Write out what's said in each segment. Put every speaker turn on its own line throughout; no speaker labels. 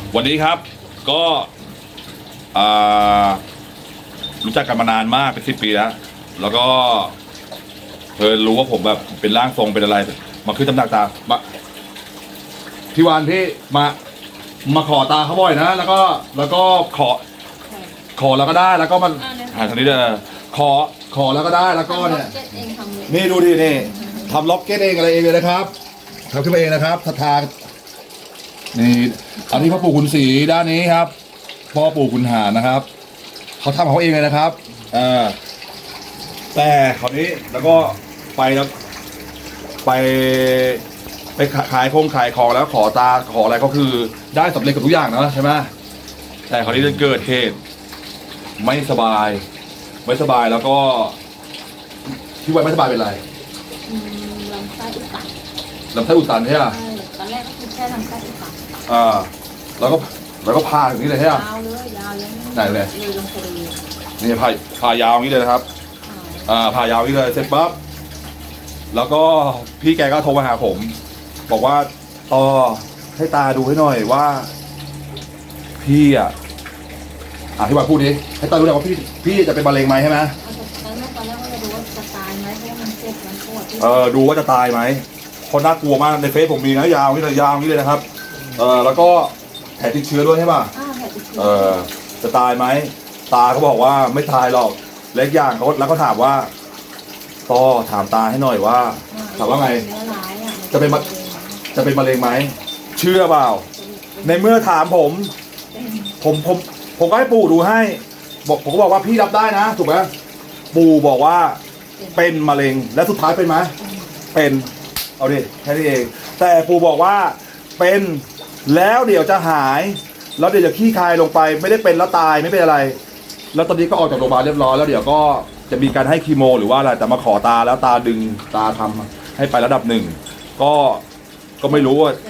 วันนี้ครับก็อ่ารู้จักกันมานานมากเป็น10 ปีแล้วก็รู้ว่าผมแบบเป็นร่างทรงเป็นอะไรมาขึ้นตำหนักตามาพี่วานพี่มาขอตาเขาบ่อยนะแล้วก็ขอแล้วก็ได้แล้วก็มันหาทางนี้เด้อขอแล้วก็ได้แล้วก็เนี่ยนี่ดูดินี่ทำล็อกเก็ตเองอะไรเองเลยนะครับทำขึ้นมาเองนะครับศรัทธานี่อันนี้พ่อปู่ขุนศรีด้านนี้ครับพ่อปู่ขุนหารนะครับเขาทำของเขาเองเลยนะครับแต่คราวนี้แล้วก็ไปแล้วไปขายของแล้วขอตาขออะไรก็คือได้สำเร็จกับทุกอย่างนะใช่ไหมแต่คราวนี้จะเกิดเหตุไม่สบายแล้วก็ที่วันไม่สบายเป็นไร
ลำไส้อุดตัน
ใช่ไหม
ตอนแรกก็คือแค่ลำไส้อุดตัน
แล้วก็พาอย่างนี้เลยใช่ไหม
ยาวเลยยาวยัง
ไหนเลย
ลงไปเลย
นี่พายาวอย่างนี้เลยนะครับพายาวอย่างนี้เลยเสร็จปั๊บแล้วก็พี่แกก็โทรมาหาผมบอกว่าต่อให้ตาดูให้หน่อยว่าพี่พี่ว่าพูดดิให้ตาดูหน่อยว่าพี่จะเป็นมะเร็งไหมใช่ไหม
ตอนแรกว่าจะดูว่าจะตายไหมเพราะมันเจ็บมันปวด
ดูว่าจะตายไหมคนน่ากลัวมากในเฟซผมมีนะยาวนี่เลยนะครับแล้วก็แผลติดเชื้อด้วยใช่ป่ะ
แผลติดเชื้อ
จะตายไหมตาเขาบอกว่าไม่ตายหรอกเล็กอย่างเขาแล้วก็ถามว่าต่อถามตาให้หน่อยว่าถามว่าไงจะเป็นมะเร็งไหมเชื่อเปล่าในเมื่อถามผมก็ให้ปู่ดูให้ผมก็บอกว่าพี่รับได้นะถูกไหมปู่บอกว่าเป็นมะเร็งและสุดท้ายเป็นไหมเป็นเอาดิแค่นี้เองแต่ปู่บอกว่าเป็นแล้วเดี๋ยวจะหายแล้วเดี๋ยวจะขี้คายลงไปไม่ได้เป็นแล้วตายไม่เป็นอะไรแล้วตอนนี้ก็ออกจากโรงพยาบาลเรียบร้อยแล้วเดี๋ยวก็จะมีการให้คีโมหรือว่าอะไรแต่มาขอตาแล้วตาดึงตาทำให้ไประดับ1ก็ไม่รู้ว่า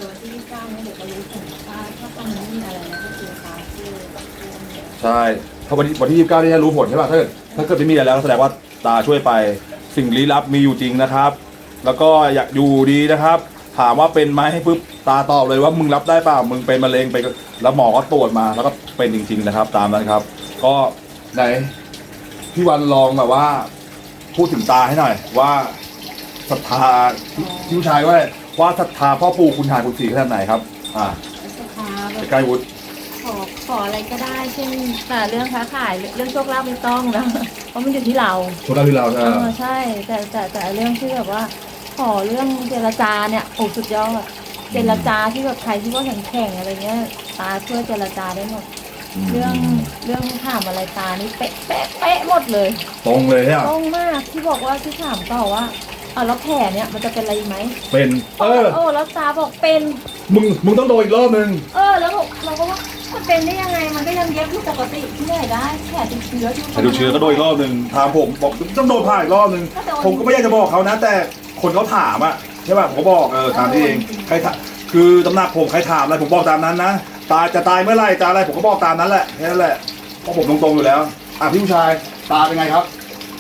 ใช่ถ้าวันที่29นี่จะรู้ผลใช่ป่ะถ้าเกิดไม่มีอะไรแล้วแสดงว่าตาช่วยไปสิ่งลี้ลับมีอยู่จริงนะครับแล้วก็อยากอยู่ดีนะครับถามว่าเป็นไหมให้ปุ๊บตาตอบเลยว่ามึงรับได้เปล่ามึงเป็นมะเร็งไปแล้วหมอก็ตรวจมาแล้วก็เป็นจริงๆนะครับตามนั้นครับก็ไหนพี่วันลองแบบว่าพูดถึงตาให้หน่อยว่าศรัทธาพี่ผู้ชายว่าศรัทธาพ่อปู่คุณหารคุณศรีขนาดไหนครับ
ศรัทธา
ใกล้วุฒิ
ขออะไรก็ได้เช่นแต่เรื่องค้าขายเรื่องโชคลาภไม่ต้องนะเพราะมันอยู่ที่เรา
โชคลาภที่เรา
ใช่แต่เรื่องที่แบบว่าขอเรื่องเจรจาเนี่ยโอ้สุดยอดเจรจาที่แบบใครที่ว่าแข่งอะไรเงี้ยตาช่วยเจรจาได้หมดเรื่องถามอะไรตานี่เป๊ะหมดเลย
ตรงเลย
ตรงมากที่บอกว่าที่ถามต่อว่าแล้วแผลเนี่ยมันจะเป็นอะไรไหม
เป็น
แล้วตาบอกเป็น
มึงต้องโดนอีกรอบนึง
แล้วเราก็ว่ามันเป็นได้ยังไงมันก็ยังเย็บอยู่ปกติที่ไหนได้แผลติดเชื้อ
ก็โดนอีกรอบนึงถามผมบอกต้องโดนผ่าอีกรอบนึงผมก็ไม่อยากจะบอกเขานะแต่คนเขาถามใช่ป่ะผมก็บอกตามที่เองใครคือตำหนักผมใครถามอะไรผมบอกตามนั้นนะตาจะตายเมื่อไรจะอะไรผมก็บอกตามนั้นแหละแค่นั้นแหละเพราะผมตรงๆอยู่แล้วพี่ผู้ชายตาเป็นไงครับ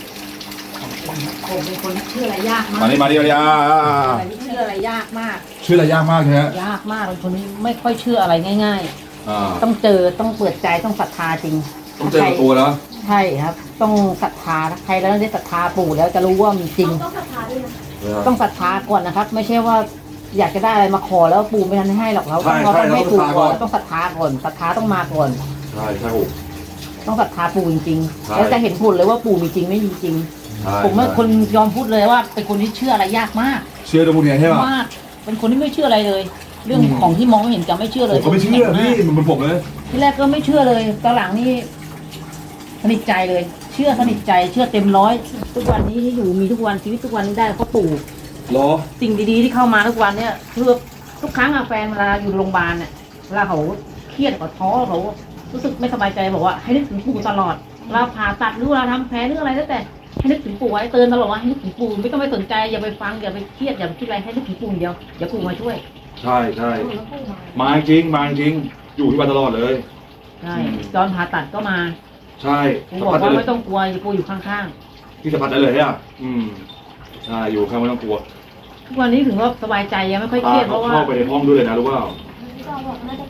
ผมเป็นคนเชื่ออะไรยากมาก
มาดิ
เชื่ออะไรยากมาก
เชื่ออะไรยากมากใช่ไหม
ยากมากเป็นคนไม่ค่อยเชื่ออะไรง่ายๆต้องเจอต้องเปิดใจต้องศรัทธาจริง
ต้องเจอตัวแล้ว
ใช่ครับต้องศรัทธาใครแล้วได้ศรัทธาปู่แล้วจะรู้ว่ามีจริงต้องศรัทธาด้วยนะต้องศรัทธาก่อนนะครับไม่ใช่ว่าอยากจะได้อะไรมาขอแล้วปู่ไม่ทันให้หรอกเราต้องให้ปู่ก่อนต้องศรัทธาก่อนศรัทธาต้องมาก่อน
ใช่
ต้องศรัทธาปู่จริงๆแล้วจะเห็นผลเลยว่าปู่มีจริงไม่มีจริงผมเป็นคนยอมพูดเลยว่าเป็นคนที่เชื่ออะไรยากมาก
เชื่อตรงนี้ใช่ไหม
มากเป็นคนที่ไม่เชื่ออะไรเลย เรื่องของที่มองไม่เห็นจะไม่เชื่อเลย
ผมไม่เชื่อพี่มันผมเลย
ที่แรกก็ไม่เชื่อเลยตอนหลังนี่สนิทใจเลยเชื่อสนิทใจเชื่อเต็มร้อยทุกวันนี้ที่อยู่มีทุกวันชีวิตทุกวันนี้ได้เพราะปู่สิ่งดีๆที่เข้ามาทุกวันเนี่ยคือทุกครั้งแฟนเวลาอยู่โรงพยาบาลเนี่ยเวลาเขาเครียดเขาท้อเขารู้สึกไม่สบายใจบอกว่าให้นึกถึงปู่ตลอดเราผ่าตัดหรือเราทำแผลหรืออะไรแล้วแต่ให้นึกถึงปู่ไว้เตือนตลอดว่าให้นึกถึงปู่ไม่ต้องไปสนใจอย่าไปฟังอย่าไปเครียดอย่าไปคิดอะไรให้นึกถึงปู่เดียวเดี๋ยวปู่มาช่วย
ใช่มาจริงอยู่ที่บ้านตลอดเลย
ใช่ตอนผ่าตัดก็มา
ใช่
ปู่บอกว่าไม่ต้องกลัวปู่อยู่ข้าง
ๆที่สัมผัสได้เลยอ่ะใช่อยู่ข้างไม่ต้องกลัว
ทุกวันนี้ถึงว่าสบายใจยังไม่ค่อยเครียดเพราะว่า
เข้าไปในห้องด้วยเลยนะรู้เปล่า
พี่จอบอกน่าจะกินนะ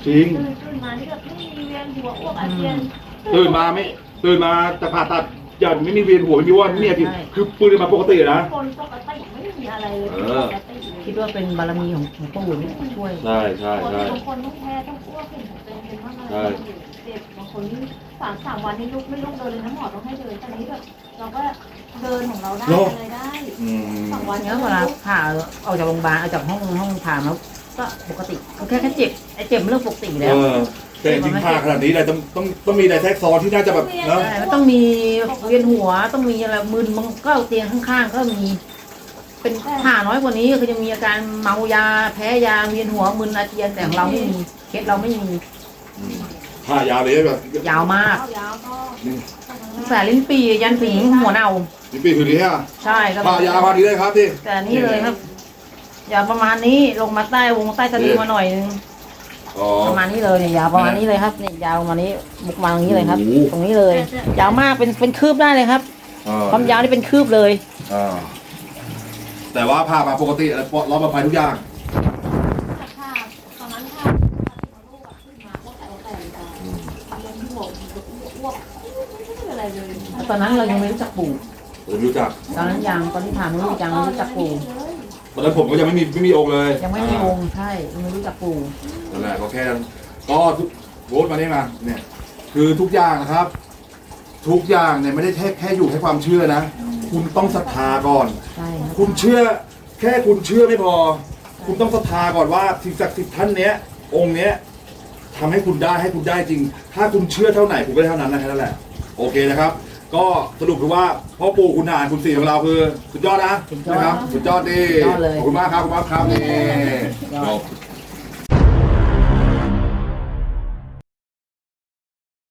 จริง
ตื่นมานี่แบบไม่มีเวียนหัวอ้วกอาเจียน
ตื่นมาจะผ่าตัดอย่าไม่มีเวียนหัวไม่มีว่าไม่มีอาทิตย์คือปืนมาปกตินะ
คนปกติไม่มีอะไรเลยปกติเลย
คิดว่าเป็นบารมีของปู่นี่ช่วย
ใช่ใช่
คน
ใช่
บางคนต้องแพ้ต้องอ้วกเห็นเป็นมากอะไรเด็กบางคนนี่สามวันนี่ลุกไม่ลุกเดินเลยนะหมอต้องให้เดินตอนนี้แบบเราก็เดินของเราได้อะไรได้
อืม
2 วัน
เนี้ยเวลาผ่าออกจากโรงพยาบาลออกจากห้องผ่าแล้วก็ปกติแค่เจ็บไอ้เจ็บเรื่องปกติอยู่แล้ว
แต่จริงๆผ่าขนาดนี้เลยต้องมีอะไรแทรกซ้อนที่น่าจะแบบเนาะ
ใช่มันต้องมีเวียนหัวต้องมีอะไรมึนมันก็เตียงข้างๆก็มี เป็นผ่าน้อยกว่านี้คือจะมีอาการเมายาแพ้ยาเวียนหัวมึนอาเจียนแต่ของเราไม่มีเคสเราไม่มี
ผ่ายาวเลยแบบ
ยาวมาก
ยาวก็
ตั้งแต่ลิ้นปียันถึงหัวเน่า
นี่ปีคือดีฮะ
ใช่ครับ
ผ่ายาวมาดีเลยครับที่
แต่นี่เลยครับยาวประมาณนี้ลงมาใต้วงใต้สะดือมาหน่อยนึง
อ๋อ
ประมาณนี้เลยเนี่ยยาวประมาณนี้เลยครับเนี่ยยาวประมาณนี้บุกมาตรงนี้เลยครับ
โอ้โห
ตรงนี้เลย ยาวมากเป็นคืบได้เลยครับ ความยาวนี่เป็นคืบเลย
แต่ว่าผ่ามาปกติรอบปลอดภัยทุกอย่าง
ค่ะตอนนั้นค่ะลูกขึ้นมาก็แต่เรียนหัวอ้วกไม่เป็นอะไรเลย
ตอนนั้นเรายังไม่รู้จักปู่
ผมรู้จัก
ตอนนั้นยังตอนที่ผ่านไม่รู้จักไม่รู้จักปู่
ตอนนั้นผมก็ยังไม่มีองค์เลย
ยังไม่มีองค์ใช่ยังไม่รู้จักปู่
นั่นแหละก็แค่ก็ทุกโบสมานี่มาเนี่ย คือทุกอย่างนะครับ ทุกอย่างเนี่ยไม่ได้แค่อยู่แค่ความเชื่อนะ คุณต้องศรัทธาก่อน
ใช่ครับ
คุณเชื่อแค่คุณเชื่อไม่พอ คุณต้องศรัทธาก่อนว่าสิ่งศักดิ์สิทธิ์ท่านเนี้ยองค์เนี้ยทำให้คุณได้จริง ถ้าคุณเชื่อเท่าไหนคุณก็ได้เท่านั้นนะแค่นั้นแหละโอเคนะครับ ก็สรุปคือว่าพ่อปู่คุณหารคุณศรีของเราคือสุดยอดนะนะครับสุดยอดดีขอบคุณมากครับขอบคุณมากครับนี่